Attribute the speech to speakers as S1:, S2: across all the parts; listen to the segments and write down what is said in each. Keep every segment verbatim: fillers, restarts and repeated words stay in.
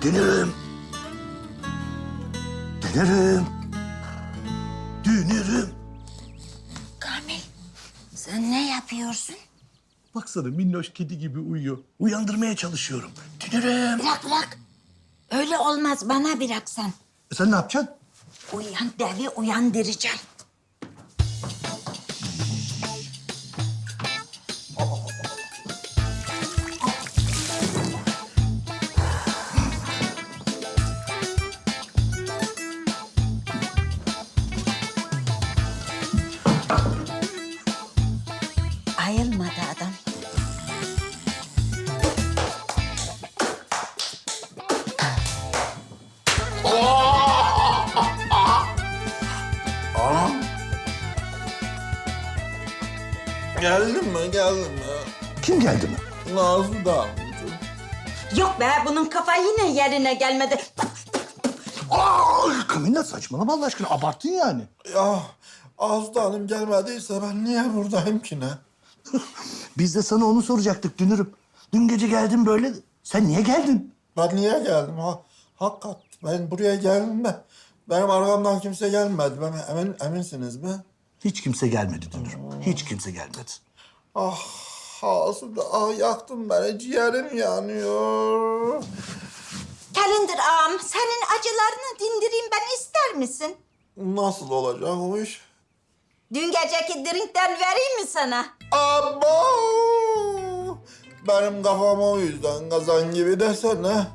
S1: Dünürüm. Dünürüm. Dünürüm.
S2: Kamil, sen ne yapıyorsun?
S1: Baksana minnoş kedi gibi uyuyor. Uyandırmaya çalışıyorum. Dünürüm.
S2: Bırak bırak. Öyle olmaz, bana bırak sen.
S1: E sen ne yapacaksın?
S2: Uyan devi uyandıracağım. Ayılmadı adam.
S3: Geldin mi? Geldin mi?
S1: Kim geldi mi?
S3: Nazlı da amcacığım.
S2: Yok be, bunun kafa yine yerine gelmedi.
S1: Aa, Kamilla saçmalama Allah aşkına. Abarttın yani.
S3: Ya Azda Hanım gelmediyse ben niye buradayım ki ne?
S1: Biz de sana onu soracaktık Dünürüm. Dün gece geldin böyle. Sen niye geldin?
S3: Ben niye geldim? Ha, hakikat ben buraya geldim de benim arkamdan kimse gelmedi. Ben emin, eminsiniz mi?
S1: Hiç kimse gelmedi Dünürüm. Hiç kimse gelmedi.
S3: Ah Azda, ah yaktın beni. Ciğerim yanıyor.
S2: Kalender ağam, senin acılarını dindireyim ben, ister misin?
S3: Nasıl olacak o iş?
S2: Dün geceki drinkten vereyim mi sana?
S3: Abo! Benim kafam o yüzden kazan gibi desene.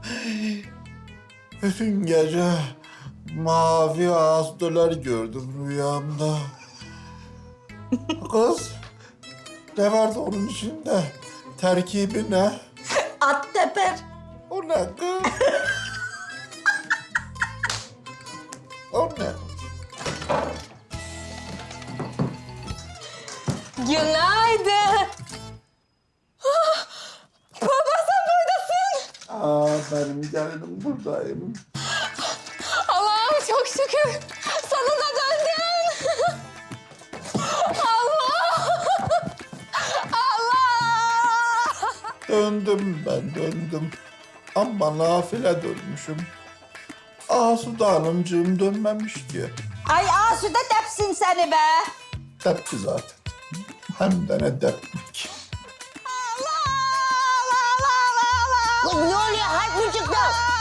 S3: Bütün gece mavi astılar gördüm rüyamda. Kız, ne vardı onun içinde? Terkibi ne?
S2: At teper.
S3: O ne kız? O ne?
S4: Günaydın. Ah, Baba sen buradasın.
S3: Aa, benim gelinim buradayım.
S4: Allah'ım çok şükür. Sonunda döndün. Allah. Allah.
S3: Döndüm ben, döndüm. Ama nafile dönmüşüm. Asude Hanımcığım dönmemiş ki.
S2: Ay Asude tepsin seni be.
S3: Tepki zaten. Hem de ne tepki.
S2: Allah Allah Allah Allah.
S4: Ne oluyor? Harp mı çıktı?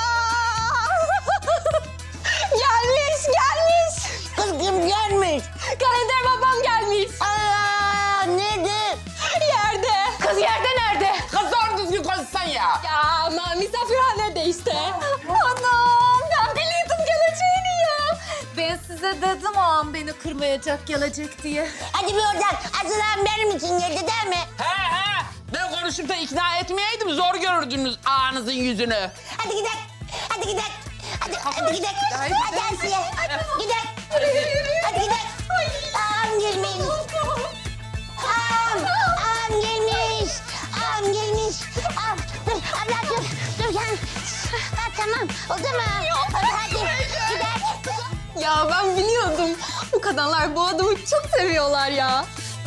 S4: Gelmiş, gelmiş.
S5: Kız kim gelmiş?
S4: Kalender babam gelmiş.
S5: Aa, nedir?
S4: Yerde. Kız yerde nerede?
S6: Kız doğru düzgün konuşsan ya.
S4: Ya ama misafirhanede işte. Anam ben biliyordum geleceğini ya. Ben size dedim ağam beni kırmayacak gelecek diye.
S5: Hadi bir oradan. Aslan benim için geldi değil mi?
S6: He he. Ben konuşup da ikna etmeyeydim zor görürdünüz ağanızın yüzünü.
S5: Hadi gidelim. Hadi gidelim. Hadi, hadi gidelim. Hadi Asiye. Gidelim. Hadi gidelim. Ağam gelmiş. Ağam. Ağam gelmiş. Ağam gelmiş. Ağam. Dur abla dur. Dur gel. Ha, tamam. Oldu mu? Hadi hadi. Gidelim.
S4: Ya ben biliyordum. Bu kadınlar bu adamı çok seviyorlar ya.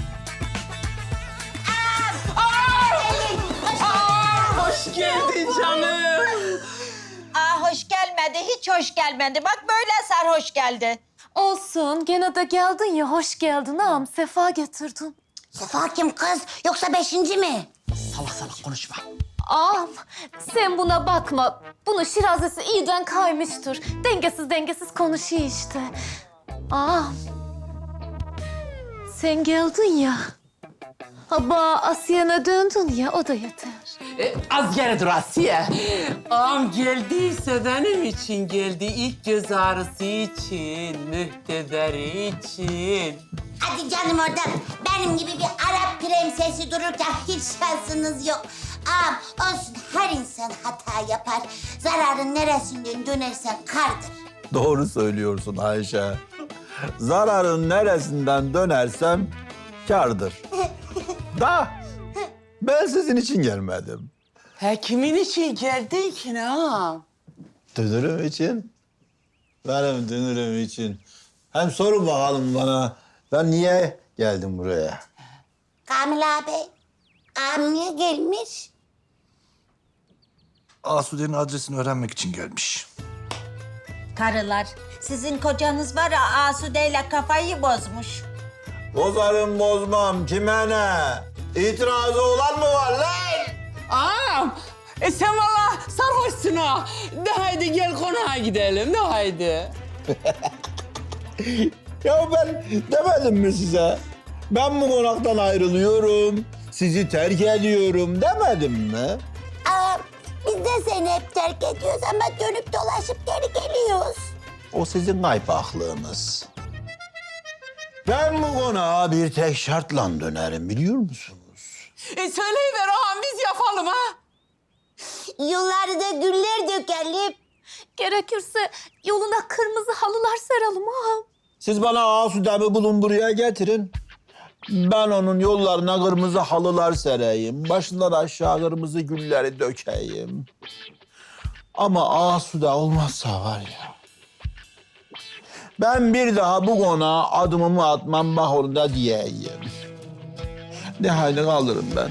S6: Hoş geldin canım.
S2: Aa hoş gelmedi, hiç hoş gelmedi. Bak böyle sarhoş geldi.
S4: Olsun gene de geldin ya hoş geldin ağam sefa getirdin.
S5: Sefa kim kız? Yoksa beşinci mi?
S6: Salak salak konuşma.
S4: Ağam sen buna bakma. Bunun şirazesi iyiden kaymıştır. Dengesiz dengesiz konuşuyor işte. Ağam sen geldin ya. Aba Asiye'ne döndün ya o da yeter.
S6: E, az geri dur Asiye. Ağam geldiyse benim için geldi. İlk göz ağrısı için, mühtederi için.
S5: Hadi canım oradan. Benim gibi bir Arap prensesi dururken hiç şansınız yok. Ağam olsun her insan hata yapar. Zararın neresinden dönersen kardır.
S7: Doğru söylüyorsun Ayşe. Zararın neresinden dönersem kârdır. Da ben sizin için gelmedim.
S6: He kimin için geldin ki ne ağam?
S7: Dünürüm için. Benim dünürüm için. Hem sorun bakalım bana. Ben niye geldim buraya?
S5: Kamil abi, ağam niye gelmiş?
S1: Asude'nin adresini öğrenmek için gelmiş.
S2: Karılar, sizin kocanız var ya Asude'yle kafayı bozmuş.
S7: Bozarım bozmam kime ne? İtirazı olan mı var lan?
S6: Ağam, e sen valla sarhoşsun ha. De haydi gel konağa gidelim, de haydi.
S7: Ya ben demedim mi size? Ben bu konaktan ayrılıyorum, sizi terk ediyorum demedim mi?
S5: Aa, biz de seni hep terk ediyoruz ama dönüp dolaşıp geri geliyoruz.
S7: O sizin kaypaklığınız. Ben bu konağa bir tek şartla dönerim biliyor musunuz?
S6: E söyleyiver ağam, biz yapalım ha.
S5: Yollarda da güller dökelim.
S4: Gerekirse yoluna kırmızı halılar seralım ağam.
S7: Siz bana Asude'mi bulun buraya getirin. Ben onun yollarına kırmızı halılar sereyim. Başından aşağı kırmızı gülleri dökeyim. Ama Asude olmazsa var ya. Ben bir daha bu konağa adımımı atmam bak onu da diyeyim. Ne halini kalırım ben.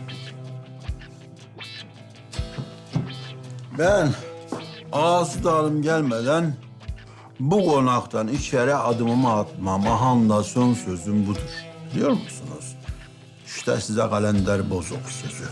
S7: Ben Asude Hanım gelmeden bu konaktan içeri adımımı atmam. Ahanda son sözüm budur. Biliyor musunuz? İşte size kalender bozuk sözü.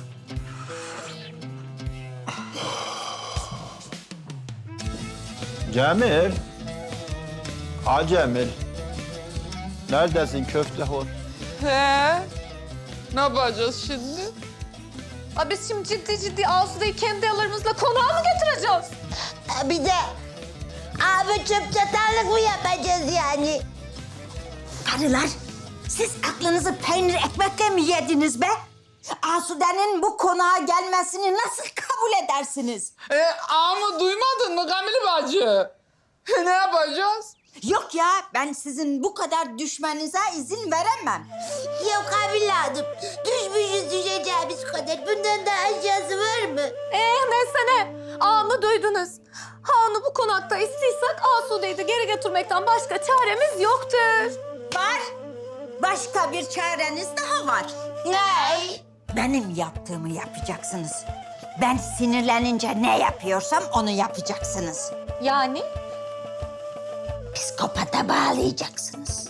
S7: Cemil. Ha Cemil. Neredesin köfte hor?
S6: He, ne yapacağız şimdi?
S4: Aa, biz şimdi ciddi ciddi Asude'yi kendi ellerimizle konağa mı getireceğiz?
S5: Ha, bir de abi çöp çatarlık mı yapacağız yani?
S2: Karılar, siz aklınızı peynir ekmekle mi yediniz be? Asude'nin bu konağa gelmesini nasıl kabul edersiniz?
S6: E, ağamı duymadın mı Kamil bacı? Ne yapacağız?
S2: Yok ya, ben sizin bu kadar düşmenize izin veremem.
S5: Yok abi Hanım, düşmüşüz düşeceğimiz kadar. Bundan daha aşağısı var mı?
S4: Eh neyse ne. Ağamı duydunuz. Ha onu bu konakta istiyorsak Asude'yi de geri götürmekten başka çaremiz yoktur.
S2: Var, başka bir çareniz daha var.
S5: Ne?
S2: Benim yaptığımı yapacaksınız. Ben sinirlenince ne yapıyorsam onu yapacaksınız.
S4: Yani?
S2: Psikopata bağlayacaksınız.